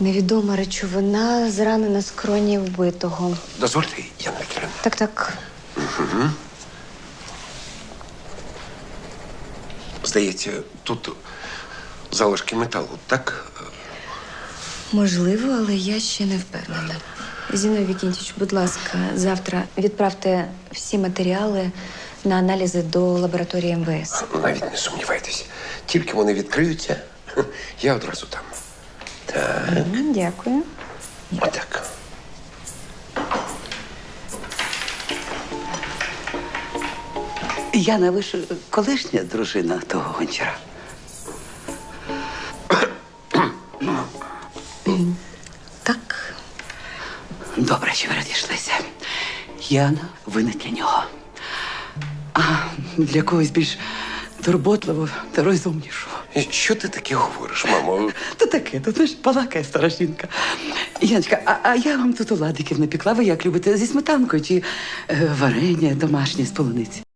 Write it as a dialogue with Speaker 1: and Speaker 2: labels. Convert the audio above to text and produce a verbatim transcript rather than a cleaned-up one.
Speaker 1: Невідома речовина, зранена скроні вбитого.
Speaker 2: Дозвольте, Яна Вікторівна.
Speaker 1: Так, так.
Speaker 2: Здається, тут залишки металу, так?
Speaker 1: Можливо, але я ще не впевнена. Зіновій Вікентійович, будь ласка, завтра відправте всі матеріали на аналізи до лабораторії ем ве ес.
Speaker 2: Навіть не сумнівайтеся. Тільки вони відкриються, я одразу там. Так,
Speaker 1: М, Дякую.
Speaker 2: отак.
Speaker 3: Яна, ви ж колишня дружина того гончара.
Speaker 1: Так.
Speaker 3: Добре, що ви розійшлися. Яна, ви не для нього. А для когось більш турботливого та розумнішого.
Speaker 2: І Що ти таке говориш, мамо?
Speaker 3: То таке, то знаєш, балакає стара жінка. Яночка, а, а я вам тут оладиків напекла. Ви як любите, зі сметанкою чи е, варення домашнє з полуниці?